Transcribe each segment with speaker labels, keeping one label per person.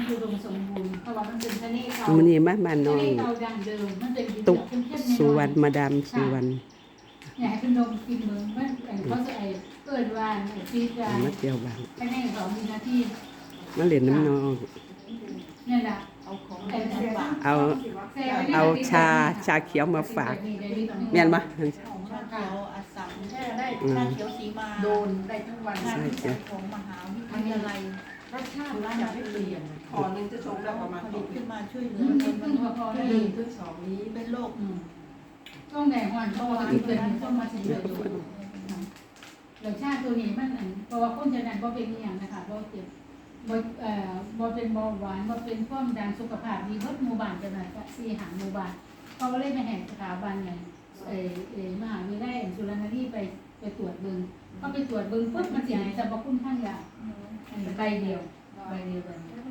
Speaker 1: อุดมสมบูรณ์เพราะว่ามันเป็นทะเลเก่า
Speaker 2: มันนี่บ้านน้
Speaker 1: ทะ
Speaker 2: อ
Speaker 1: เล
Speaker 2: ง
Speaker 1: เก่าดั้งเดิมมันเป็นดิน
Speaker 2: ตุก
Speaker 1: เข้มๆ
Speaker 2: สุวรรณมาดามสุวรรณ
Speaker 1: อยากให้เป็นนมกินเมืองมันเขาจะเกิดวานซีดวาน
Speaker 2: มาเที่ยวบ้าน
Speaker 1: ภายใน2 มีนาที
Speaker 2: มาเล่นน้ำน้อง
Speaker 1: นี่แหละ
Speaker 3: เอาของ
Speaker 2: เอาชาเขียวมาฝากแม่นบ่
Speaker 3: ชาเขียวอัสสัมแช่ได้ชาเขียวสีมา
Speaker 1: โดนได้ทั้งวัน
Speaker 3: งานวิจัยของมหาวิทยาลัย
Speaker 1: รสชาติจะไม่เปลี่ยน
Speaker 4: ขอนึงจะชงได้ประมาณ
Speaker 3: ผลิตขึ้นมาช่วยเหลื
Speaker 1: มั
Speaker 3: อน ค
Speaker 1: กิน
Speaker 3: น
Speaker 1: เพิ่งพอได้
Speaker 4: หนึ่งถึงสองนี้
Speaker 3: เป็นโรค
Speaker 1: ต้องแดงวันเพราะว่ากินเกินต้องมาเฉลี่ยอยู่รสชาติตัวนี้มันเพราะว่าคนจะนั้นบ่เป็นอย่างนะคะบ่เจ็บบ่เป็นเบาหวานบ่เป็นความดันสุขภาพดีเบิดหมู่บ้านจังได๋ก็4 หาหมู่บ้านเขาก็เลยไปแห่งสถาบันเนี่ยมหาวิทยาลัยจุฬาลงกรณ์ไปตรวจเบิ่งเขาไปตรวจเบิ่งปุ๊บมันสิให้สรรพคุณทางยาใบเดียวใบเดียว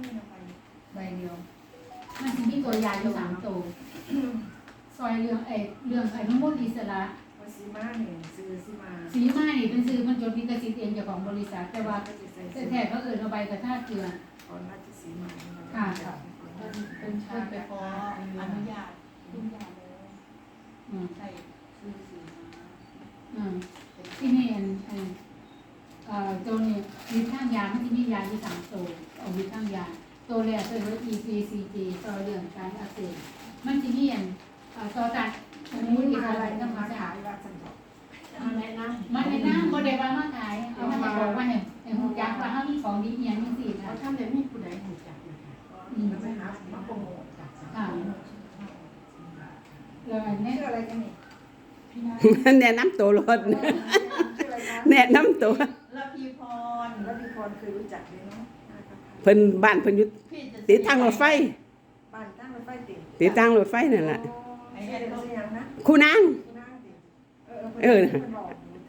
Speaker 1: มันสิมีตัวยาอยู่3 ตัวซอยเรื่องไอ้น้ำมันอิสระ
Speaker 4: ซีมาเนี่ยซื้อซีมา
Speaker 1: สีมานี่เป็นซื้อมันจดลิขสิทธิ์เองเจ้าของบริษัทแต่ว่าแท้ๆเขาเอาใบกระทาเกลือ
Speaker 4: ก่อนราชสีมา
Speaker 3: เป็นชาไปขออนุญาตคุณยาแล้ว ใช่ซื้อสีมา
Speaker 1: ที่นี่ตัวนี้มีข้างยามันที่มียาที่3 ตัวเอามีข้างยาตัวแรกคือ EPCG ต่อเรื่องการอักเสบมันที่นี่ต่อจากสมุนไพรอะไรต้องมาขาย
Speaker 4: ว่าสันดอก
Speaker 1: มันในน้ำโมเดลมาขายเอามาบอกว่าเนี่ยหูจักว่าเขามีของดีอย่างนี้สินะ
Speaker 4: เขาทำเนี่ยมีผู้ใดหูจักนะคะแล้วไปหามาโปรโมทจากสังคม
Speaker 1: แล้วอันนี้
Speaker 4: ชื่ออะไรกันนี่
Speaker 3: พี่นา
Speaker 2: แนะนำตัวรถ
Speaker 4: ชื่ออะไรคะ
Speaker 2: แนะนำตัว
Speaker 3: ละพีพร
Speaker 4: แล้วพี่พรเคยรู้จักเลยเนาะ
Speaker 2: เพิ่นบ้านเพิ่นอยู่
Speaker 3: พี่จะ
Speaker 2: ติดทางรถไฟ
Speaker 4: บ้านตั้งรถไฟติด
Speaker 2: ติดทางรถไฟนั่นแหละ
Speaker 4: ไอ้เด็กชื่อยังนะ
Speaker 2: ครูนาง
Speaker 4: นั่งติมันบอก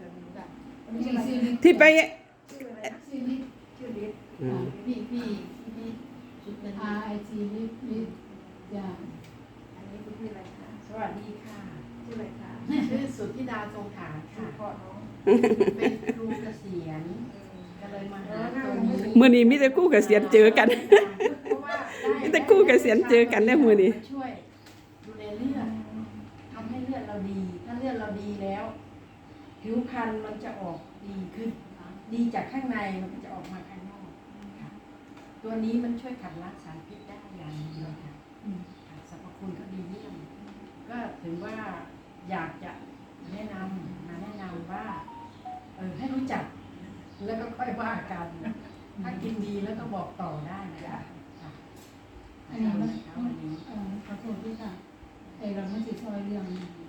Speaker 2: ที่ไป
Speaker 4: ชื่ออะไรนะ
Speaker 1: ชื่อลิ
Speaker 4: ชื่อลิศ
Speaker 3: พี่ชุดเป็น
Speaker 1: RIT ลิยา
Speaker 4: อันนี้คือชื่ออะไรคะ
Speaker 5: สวัสดีค่ะ
Speaker 4: ชื่ออะไรคะ
Speaker 5: ชื่อสุทธิดาทรงฐาน
Speaker 4: ชื่อ
Speaker 5: ค่ะ
Speaker 4: พ่อน้อง
Speaker 5: เป็นครูเกษียณก็เลยมาหาตัวนี้
Speaker 2: มื้อนี้มีแต่กู้เกษียณเจอกัน
Speaker 5: เพราะว่า
Speaker 2: มีแต่กู้เกษียณเจอกันได้มื้อนี้
Speaker 5: มาช่วยดูแลเลือดทำให้เลือดเราดี ถ้าเลือดเราดีแล้ว ผิวพรรณมันจะออกดีขึ้น ดีจากข้างในมันก็จะออกมาข้างนอกค่ะตัวนี้มันช่วยขับล้างสารพิษได้อย่างดีเลยค่ะค่ะสรรพคุณก็ดีเยี่ยมก็ถือว่าอยากจะแนะนำว่าให้รู้จัก แล้วก็ค่อยว่ากัน ถ้ากินดีแล้วก็บอกต่อได้นะคะค่ะ
Speaker 1: อันนี้มัน
Speaker 5: วันนี้
Speaker 1: ขอโทษด้วยค่ะเราไม่ติดซอยเรื่อง